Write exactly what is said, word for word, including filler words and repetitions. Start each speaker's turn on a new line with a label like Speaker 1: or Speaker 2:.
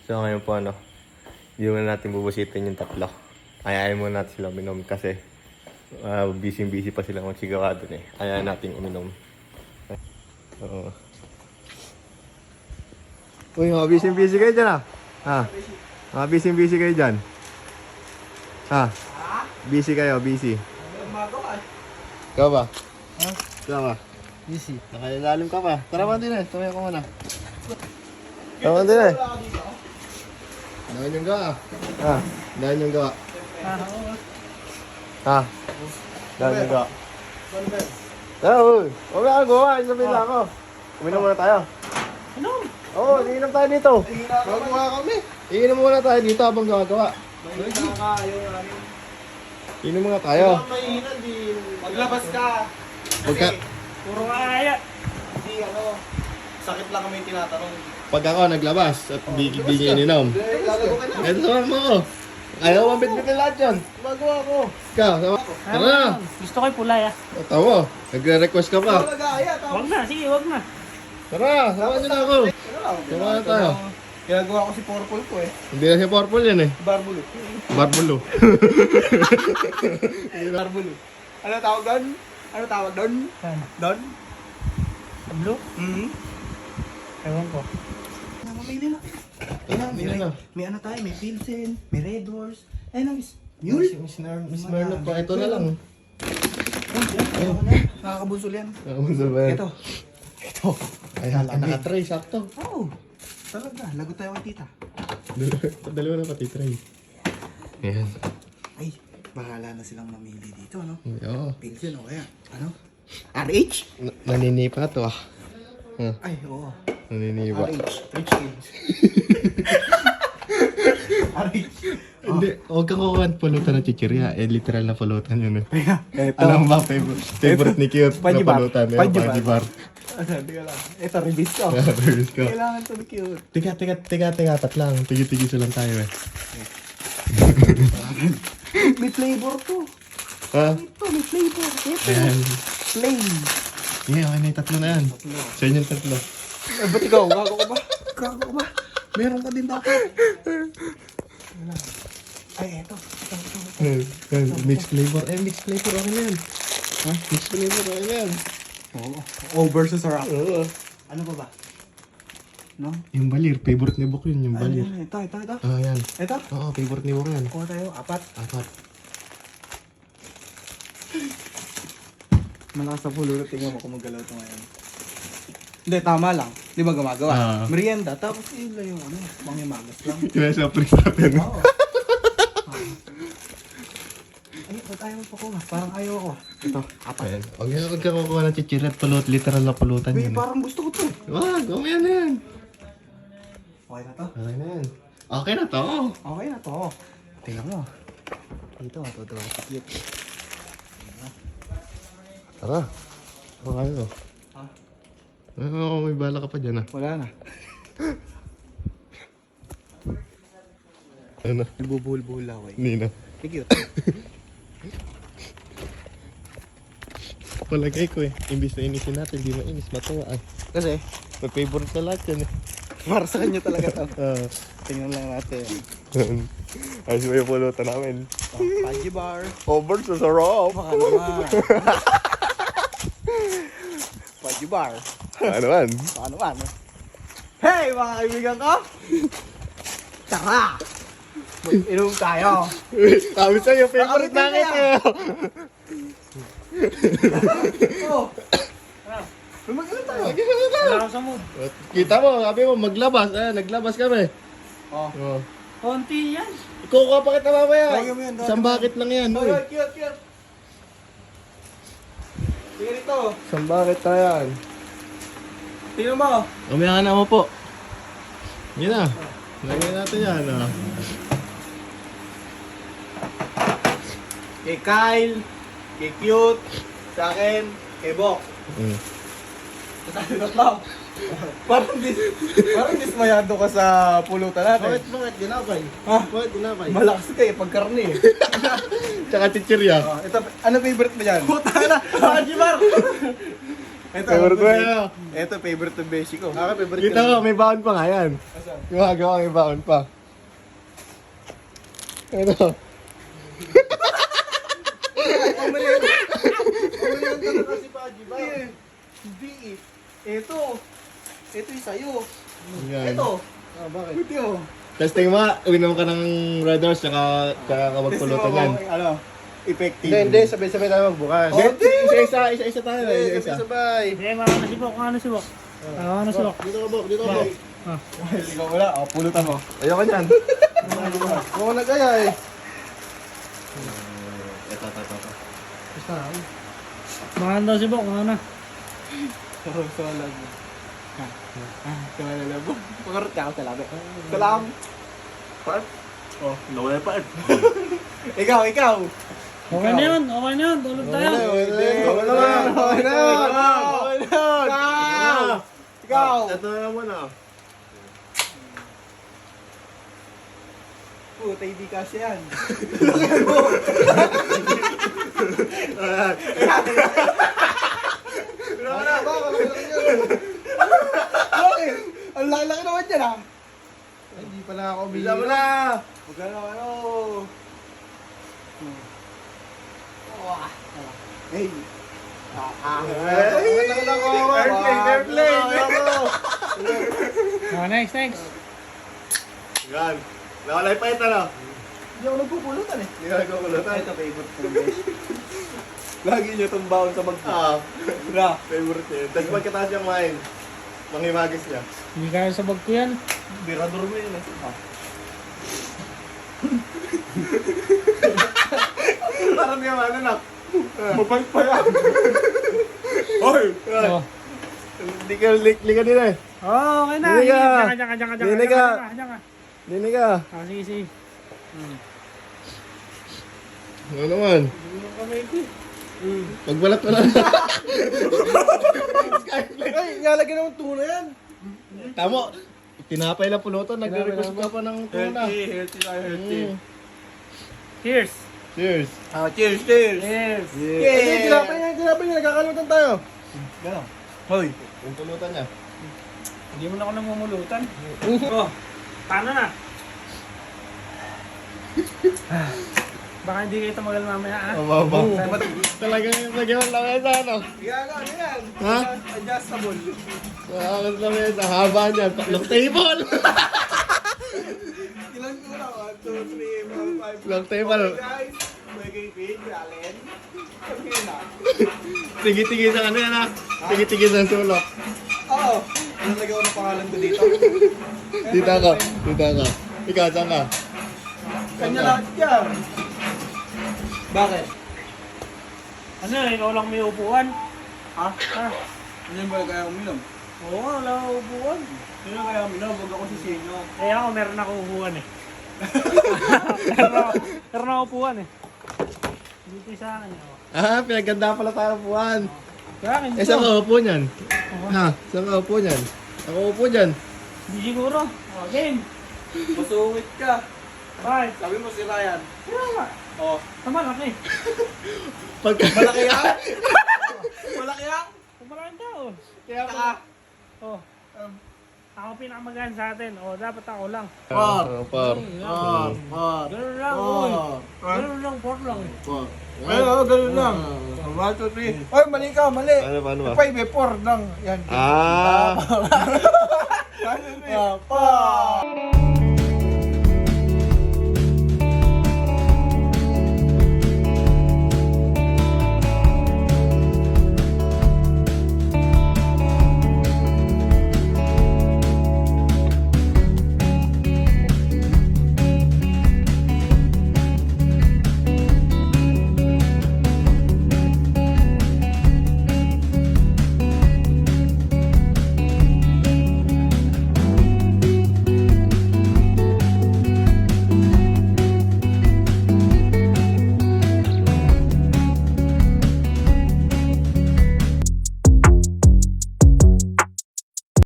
Speaker 1: So ngayon po ano, hindi muna natin bubusitin yung tatlo. Ayayin muna natin sila uminom kasi uh, busy-busy pa sila magsigawa dun eh. Ayayin natin uminom. Oo. Uy, mga busy-busy kayo dyan ah. Ha? Mga busy-busy kayo dyan. Ha? Busy kayo, busy. Ikaw ba?
Speaker 2: Ha?
Speaker 1: Ikaw ba?
Speaker 2: Busy.
Speaker 1: Nakailalim ka pa. Tara man din eh, tumaya ko muna. Tara man din eh. Dahil yung gawa. Ha? Dahil yung gawa.
Speaker 2: Ah, oo.
Speaker 1: Ha? Dahil yung gawa. Tara, uy. Huwag na gawa, isabihin lang ako. Uminom muna tayo.
Speaker 2: Ano?
Speaker 1: Oo, oh, iinom tayo dito. Gagawa kami. Iinom muna tayo dito habang gagawa. Iinom muna tayo.
Speaker 3: Maglabas ka.
Speaker 1: Pagka,
Speaker 2: Puro kaya.
Speaker 3: Hindi ano, sakit lang kami tinatanong.
Speaker 1: pag ako naglabas at di, di niya ininom.
Speaker 3: Lalago ka na.
Speaker 1: Ito sama mo ako. Ayaw mo bitbitin lahat yun.
Speaker 3: Magawa ko.
Speaker 1: Ikaw, sama. Tara na.
Speaker 2: Gusto ko yung pulay ah.
Speaker 1: Tawo, nagre-request ka pa.
Speaker 3: Magaya, tama.
Speaker 2: Wag na, sige, wag na.
Speaker 1: Tara, sama nyo na ako.
Speaker 3: Ano lang,
Speaker 1: Sama na tayo.
Speaker 3: ginagawa ko si Purple ko eh.
Speaker 1: Hindi na si Purple yan eh.
Speaker 3: Barbulo.
Speaker 1: Barbulo.
Speaker 3: Barbulo. Ano tawag doon? Ano tawag doon?
Speaker 2: Saan?
Speaker 3: Doon?
Speaker 2: Blue?
Speaker 3: Mm-hmm.
Speaker 2: Ewan ko.
Speaker 3: Mamili na. Ayun, may,
Speaker 1: Ayun na.
Speaker 3: may ano tayo, may Pilsen, may Red Horse. Ayun na, Miss Mule.
Speaker 1: Miss Mer- Miss Merlo pa. Ito na lang.
Speaker 3: Ayun, nakakabusol yan.
Speaker 1: Nakabusol ba yan?
Speaker 3: Ito. Ito.
Speaker 1: Ayan, naka-tray, sakto.
Speaker 3: Oo. Oh, talaga, lagot tayo kay tita.
Speaker 1: Dalawa na pati tray. Ayan.
Speaker 3: Ay, bahala na silang mamili dito, ano?
Speaker 1: Oo.
Speaker 3: Pilsen o kaya, ano? R H?
Speaker 1: Na- Naninipa to ah. Huh,
Speaker 3: Ay, oo.
Speaker 1: naninipa.
Speaker 3: R H. Rich kids. R H.
Speaker 1: Hindi, huwag kang kukuha ng pulutan ng chichirya. Eh, literal na pulutan yun eh.
Speaker 3: Kaya, eto.
Speaker 1: Alam mo ba, favorite, favorite ni Cute na
Speaker 3: Panjibar.
Speaker 1: pulutan? Eh,
Speaker 3: Panjibar.
Speaker 1: Panjibar.
Speaker 3: Ano, teka lang. Ito, release ko.
Speaker 1: Release ko.
Speaker 3: Kailangan to be cute.
Speaker 1: Tiga, tiga, tiga, tiga, tat lang. Tigi-tigi lang tayo eh.
Speaker 3: May flavor to.
Speaker 1: Ha?
Speaker 3: Ito, may flavor. Ito.
Speaker 1: Ayan.
Speaker 3: Plain.
Speaker 1: Yeah, okay na yung tatlo na yan. Sa inyo yung tatlo.
Speaker 3: Eh, ba't ikaw? Gago ka ba? Gago ka ba? Meron ka din dapat. Ay, eto. Ito, ito, ito.
Speaker 1: Eh, eh, mixed flavor. Eh, mixed flavor okay na yan. Ha? Mixed flavor okay na yan.
Speaker 3: Oo. Over sa sarap.
Speaker 1: Oo.
Speaker 3: Ano pa ba? No?
Speaker 1: Yung balir, favorite ni Bok yun, yung
Speaker 3: Ano
Speaker 1: balir.
Speaker 3: yan? Ito, ito, ito.
Speaker 1: Ah, yan.
Speaker 3: Ito.
Speaker 1: Oo, favorite ni Bok yan.
Speaker 3: Kuha tayo. Apat.
Speaker 1: Apat.
Speaker 3: Malakas sa pululot. Tingnan mo kung magalaw ito ngayon. Hindi, tama lang. Di ba gumagawa?
Speaker 1: Ah.
Speaker 3: Merienda. Tapos yun lang yung ano, mangimagas lang.
Speaker 1: Kinasa priest natin.
Speaker 3: Oo. Ay, ba't ayaw mo pa ko? Parang ayaw ako. Ito, apat.
Speaker 1: Ayan. Huwag yan, huwag ka kukuha ng chichirya at pulot. Literal na pulutan
Speaker 3: Uy,
Speaker 1: yun. eh.
Speaker 3: parang gusto ko to.
Speaker 1: Wag, okay na yan.
Speaker 3: Okay na to.
Speaker 1: Okay na yan. Okay na to.
Speaker 3: Okay na to. Tingnan mo. Dito, matutuwa si Cute.
Speaker 1: Tara. Okay na.
Speaker 3: Ha?
Speaker 1: Oo, may bala ka pa dyan ah.
Speaker 3: Wala na.
Speaker 1: Ano?
Speaker 3: Nagbubuhol-buhol ako eh.
Speaker 1: Hindi na.
Speaker 3: Si Cute.
Speaker 1: Palagay ko eh. Imbis na inisin natin, di mainis, matawa ah.
Speaker 3: Kasi,
Speaker 1: May favorite sa lahat yan eh.
Speaker 3: para sa kanya talaga to.
Speaker 1: Ah.
Speaker 3: Tingnan lang natin.
Speaker 1: Ayos ba yung pulutan namin?
Speaker 3: Oh, Panji bar.
Speaker 1: Over sa sarap.
Speaker 3: Baka naman. Panji bar.
Speaker 1: Ano man?
Speaker 3: Baka naman. Hey, mga kaibigan ko! Tara! Mag-inom tayo.
Speaker 1: Sabi sa'yo, favorite
Speaker 3: Nakalitin
Speaker 1: namin
Speaker 3: kaya?
Speaker 1: eh.
Speaker 3: Oh! Mag-inom tayo.
Speaker 2: Wala ako sa mood.
Speaker 1: Kita mo, sabi mo, maglabas. Ah, naglabas kami.
Speaker 3: Oh.
Speaker 1: Oh.
Speaker 2: Konti yan.
Speaker 1: Kukuha pa kita mamaya.
Speaker 3: Tawagin mo yan, tawagin
Speaker 1: Isang
Speaker 3: mo.
Speaker 1: bucket lang yan.
Speaker 3: Oy,
Speaker 1: Uy.
Speaker 3: oy, cute, cute. Sige dito.
Speaker 1: Isang bucket na yan.
Speaker 3: Tingnan mo.
Speaker 1: Umaya ka na mo po. Yan na. Lagyan natin yan. Ah.
Speaker 3: Kay Kyle, kay Cute, sa akin, kay Bok.
Speaker 1: Mm.
Speaker 3: Tatalo tatlo. Parang dis parang dismayado ka sa pulutan natin.
Speaker 1: bakit ginapay?
Speaker 3: Ha?
Speaker 1: Bakit ginapay?
Speaker 3: Malakas kayo pag karne eh.
Speaker 1: Tsaka chichirya.
Speaker 3: Oh, ito, ano favorite mo dyan? Puta na! Panji bar! Ito,
Speaker 1: Favorite mo yan.
Speaker 3: Ito, favorite ng beshi ko. Ako, favorite
Speaker 1: Kita mo, may baon pa nga yan.
Speaker 3: Asan?
Speaker 1: Gumagawa, may baon pa. Ito.
Speaker 3: Pamalihan. Pamalihan ka na kasi, Paji ba? Hindi eh. Ito. Ito yung sa'yo.
Speaker 1: Yan.
Speaker 3: Ito. Ah, bakit? Ito.
Speaker 1: Testing mo, uminom ka ng Red Horse, tsaka, tsaka ka magpulutan yan.
Speaker 3: Ano? Effective.
Speaker 4: Hindi, hindi. Sabay-sabay tayo magbukas.
Speaker 3: Oh,
Speaker 1: Hindi, isa-isa, isa-isa tayo.
Speaker 3: Eh,
Speaker 1: Isa-isa.
Speaker 3: sabay.
Speaker 2: Hindi, mga ano si Bok, mga ano si Bok. Ah, ano si Bok.
Speaker 4: Dito ka, Bok. Dito ka, Bok.
Speaker 2: Ah.
Speaker 3: Well, ikaw wala. O, pulutan mo.
Speaker 1: Ayoko niyan.
Speaker 4: Ako nag-aya eh.
Speaker 1: Ito, ito, ito.
Speaker 4: Basta na.
Speaker 2: Mga ano daw si Bok, mga ano.
Speaker 3: Sarap sa labo. Ah, sa labo. Pangarot ka ako sa labo. Salam. Part?
Speaker 1: Oh, nawala pa.
Speaker 3: Ikaw, ikaw.
Speaker 2: Okay na yun, okay na yun. Tulog tayo.
Speaker 3: Okay na yun. Okay na yun. Okay na yun. Okay na yun. Ikaw. Ikaw.
Speaker 1: Ito na naman ah.
Speaker 3: Puta, hindi kasi yan. Wala na ba? Wala na yan. Bakit? Ang laki-laki naman yan ah.
Speaker 4: Hindi pa na ako
Speaker 1: Bila mo
Speaker 4: umiinom.
Speaker 1: na!
Speaker 3: Huwag ka na ano. Hey. Ah, ah.
Speaker 4: Wait lang lang ako.
Speaker 1: Airplane, airplane.
Speaker 2: Ah, next, next.
Speaker 1: Yan. Nawala pa ito na.
Speaker 3: Hindi ako nagpupulutan eh.
Speaker 1: Hindi ka nagkakulutan.
Speaker 3: Ito favorite ko guys. Lagi niyo itong baon sa mag...
Speaker 1: Ah,
Speaker 3: Bra.
Speaker 1: favorite yun. Tapos pagkataas niya kumain, manghimagis niya.
Speaker 2: Hindi kaya sa bag ko yan.
Speaker 3: Birador mo yun eh. Ah.
Speaker 1: Parang niya ano na. Mapag pa yan. Hoy!
Speaker 2: Oh.
Speaker 1: Hindi ka, likli ka din eh.
Speaker 2: Oh, okay na.
Speaker 1: Dinig ka.
Speaker 2: Diyan ka, diyan ka, diyan ka, diyan ka,
Speaker 1: Dinig
Speaker 2: diyan
Speaker 1: ka.
Speaker 2: ka, diyan ka.
Speaker 1: Dinig ka.
Speaker 2: Ah, sige, sige.
Speaker 1: Ano naman? Pagbalat mo lang.
Speaker 3: Ay, nalagyan naman tuna yan.
Speaker 1: Tamo. Tinapay lang pulutan. Nagre-request ka pa ng tuna.
Speaker 3: healthy na
Speaker 1: Mm.
Speaker 2: Cheers.
Speaker 1: Cheers.
Speaker 3: Ah, cheers, cheers.
Speaker 2: Cheers.
Speaker 4: Hindi, tinapay niya, tinapay niya. Nagkakalutan tayo.
Speaker 3: Gano'n. Hoy.
Speaker 1: Yung pulutan niya.
Speaker 2: Hindi mo na ako namumulutan. Oh, paano na? Baka hindi kayo tumagal mamaya, ha?
Speaker 1: Mababa.
Speaker 3: Oh.
Speaker 1: Talagang yung nagyan lang yan sa ano.
Speaker 3: Yan, ano yan?
Speaker 1: Ha?
Speaker 3: Adjustable.
Speaker 1: Nakakot lang yan sa haba niya. Tatlong table.
Speaker 3: Ilan ko na? one, two, three, four, five.
Speaker 1: Long table.
Speaker 3: Okay guys, may kaypig, Allen. Sabi na.
Speaker 1: Tigi-tigi sa ano yan ha. Tigi-tigi sa sulok.
Speaker 3: Oo. Ano nagawa ng pangalan ko dito?
Speaker 1: Dita ka. Dita ka. Ikaw, saan ka?
Speaker 3: Kanya lahat yan. Bakit?
Speaker 2: Ano, ikaw lang may upuan?
Speaker 3: Ha?
Speaker 2: Ha?
Speaker 3: Ano yung ba kaya uminom?
Speaker 2: Oo, wala akong upuan.
Speaker 3: Sino kaya uminom? Huwag ako si Senyo.
Speaker 2: Eh ako, meron ako upuan eh. meron ako, meron ako upuan eh. Dito sa akin. Oh.
Speaker 1: Ah, pinaganda pala tayo puwan.
Speaker 2: Sa akin,
Speaker 1: Eh, saan ka upo niyan? Ha? Saan ka upo niyan? Ako upo dyan.
Speaker 2: Hindi siguro. Oh, game.
Speaker 3: Masungit ka.
Speaker 2: Bye.
Speaker 3: Sabi mo si Ryan.
Speaker 2: Kaya nga.
Speaker 3: Oh.
Speaker 2: Tama laki.
Speaker 1: Pagka...
Speaker 3: Malaki yan? Malaki yan?
Speaker 2: Kumalaking tao.
Speaker 3: Kaya ka.
Speaker 2: Oh. Ako pinakamagaan sa atin. Oh, dapat ako lang.
Speaker 1: Par. Par.
Speaker 3: Ah, ah.
Speaker 2: Ganun lang,
Speaker 3: Oh.
Speaker 2: uy. Ganun lang, por lang.
Speaker 3: Ay, oo, ganun lang. one, two, three. Ay, mali ka, mali.
Speaker 1: Ano, paano ba?
Speaker 3: five, eh, four lang. Yan.
Speaker 1: Ah!
Speaker 3: Ah, pa.